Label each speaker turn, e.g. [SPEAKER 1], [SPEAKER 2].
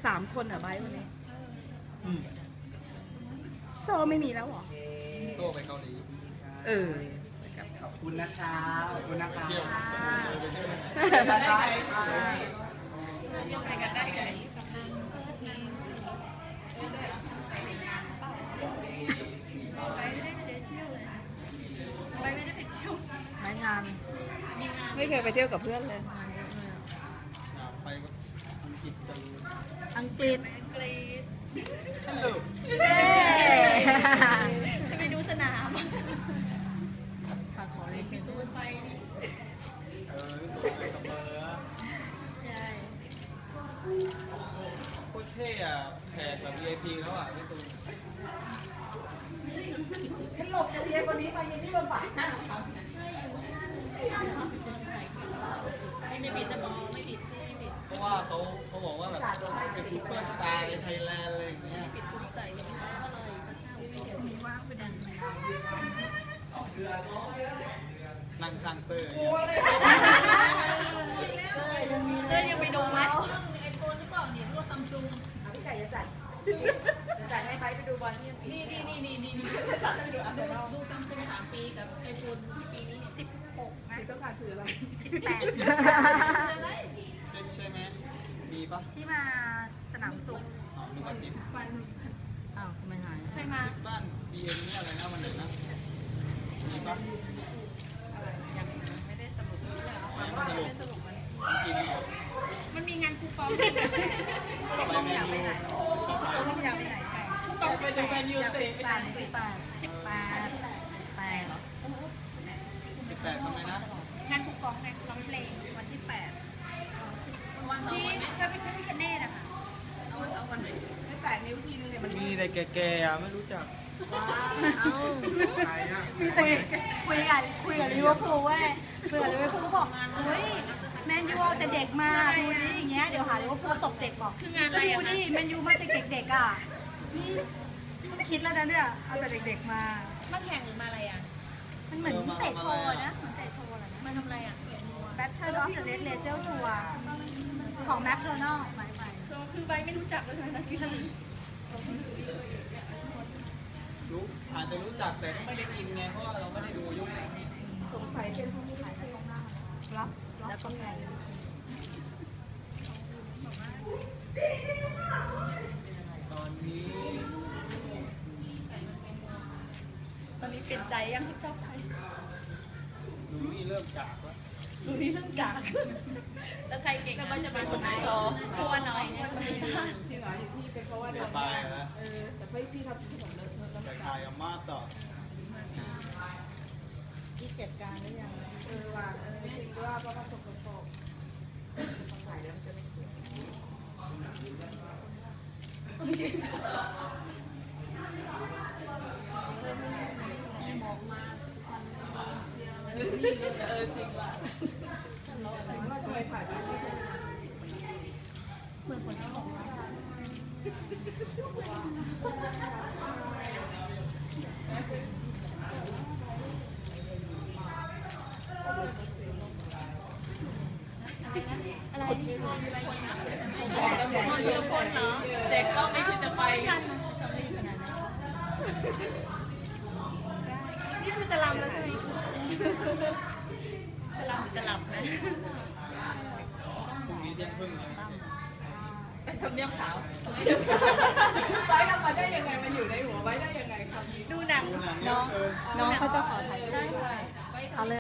[SPEAKER 1] 3 คนเหรอไบร์ทวันนี้โซไม่มีแล้วหรอ
[SPEAKER 2] โซ่ไปเกาหลี
[SPEAKER 3] ขอบคุณนะคะขอบคุณนะคะ
[SPEAKER 1] ไปกันได้ไงไปงานไม่เคยไปเที่ยวกับเพื่อนเลย
[SPEAKER 2] ไปอังกฤษกัน
[SPEAKER 1] อังกฤษ
[SPEAKER 2] ฮัลโหล
[SPEAKER 1] จะไปดูสนามฝากขอเลยพี่ตูนไป
[SPEAKER 2] ตัวไปกับเบอร์
[SPEAKER 1] ใช่
[SPEAKER 2] โคตรเท่อะแขกแบบ VIP แล้วอ่ะพี่ตูน
[SPEAKER 1] ฉันหลบจะเรียนคนนี้ไปยังที่บนฝ่ายหน้าไม่ผิดนะบอไม่ผิด
[SPEAKER 2] เพราะว่าเขาบอกว่าแบบเป็นซุปเปอร์สตาร์ในไทยแลนด์อะไรอย่างเงี้ยนั่งข้างเซอร์
[SPEAKER 1] ยังไปดูไหม
[SPEAKER 4] ไอโฟนหรือเปล่าเนี่ยรวดซัมซุง
[SPEAKER 1] พี่ไก่จะจัดให้ไปดูบอลที่
[SPEAKER 4] นี่ดูซัมซุง3 ปีกับไอโฟนปีนี้
[SPEAKER 1] 16นะ
[SPEAKER 3] ต้องการซื้ออะไร
[SPEAKER 2] ใช่ไหมมีปะ
[SPEAKER 1] ที่มาสนามสุข
[SPEAKER 2] นึกว่าทิป
[SPEAKER 1] อ้าวทำไมหาย
[SPEAKER 4] ใครมา
[SPEAKER 2] บ้าน BM นี่อะไรนะวันไหนนะมีปะ
[SPEAKER 4] ยังไม่ได้สรุปมันมีงานคูปอง
[SPEAKER 2] ต้องอยากไปไหน
[SPEAKER 4] คูปองไปดูแมนยูเตะ
[SPEAKER 1] 18เหรอ
[SPEAKER 2] 18ทำไมนะ
[SPEAKER 4] งานคูปองงานร้องเพลงวันที่8วันที่เธอเป็นพี่คะแนนนะคะเอาวันไหน
[SPEAKER 3] 8 นิ้วทีนึงเนี่ยมัน
[SPEAKER 2] มีอะไรแก่ๆไม่รู้จัก
[SPEAKER 1] ใครอ่ะคุยกับลิเวอร์พูลเว้ยคุยกับลิเวอร์พูลบอกเฮ้ยแมนยูเอาแต่เด็กมาดูดิอย่างเงี้ยเดี๋ยวหาลิเวอร์พูลตกเด็กบอก
[SPEAKER 4] คืองานอะไร
[SPEAKER 1] ดูดิแมนยูมาแต่เด็กๆอ่ะนี่คิดแล้วนะเนี่ยเอาแต่เด็กๆมา
[SPEAKER 4] แข่งหรือมาอะไรอ่ะ
[SPEAKER 1] มันเหมือนเตะโชว์นะเหมือนเตะโชว์อะไรนะ
[SPEAKER 4] มาทำอะไรอ่ะ
[SPEAKER 1] Battle of the Red Angel Tour ของแมคโดนัลด์ไป
[SPEAKER 4] คือใบไม่รู้จักเลยนะพี่
[SPEAKER 2] อาจจะรู้จักแต่ไม่ได้กินไงเพราะว่าเราไม่ได้ดูยุค
[SPEAKER 3] สงสัยเป็นผู้ขายในตรงหน้า
[SPEAKER 1] รับแล้วก็ไง
[SPEAKER 2] ตอนนี้
[SPEAKER 4] เป็นใจยังที่ชอบใคร
[SPEAKER 2] ดูนี่เริ่มจากแล้ว
[SPEAKER 4] แล้วใครเก่ง
[SPEAKER 3] แล้วมันจะเป็นคนไหน
[SPEAKER 4] ตัวน้อยเนี่ย
[SPEAKER 3] จริงเหรออยู่ที่เป็นเพราะว่า
[SPEAKER 2] สบายนะ
[SPEAKER 3] แต่พี่ทำที่ผมเลย
[SPEAKER 2] ไปถ่ายกับมาต่อ
[SPEAKER 3] ที่เก็บการหรือยังว่าจริงว่าเพราะว่าสกปรกถ่ายแล้วมันจะไม่สวยมองมาจริงว่ะเราทำไมถ่ายแบบนี้
[SPEAKER 1] เหมือนคนที่บอกว่าอะไร
[SPEAKER 3] เด็กก็ไม่คิดจะไป
[SPEAKER 4] นี่คือจะลำแล้วใช่ไหมจะหลับนะ
[SPEAKER 2] พรุ่งนี้เที่ยงครึ่ง
[SPEAKER 3] ไปทำเนียบขาวไว้ทำมาได้ยังไงมันอยู่ในหัวไว้ได้ยังไงครับ
[SPEAKER 4] ดูหนัง
[SPEAKER 1] น้องเขาจะขอถ่ายรูปด้วยเอาเลย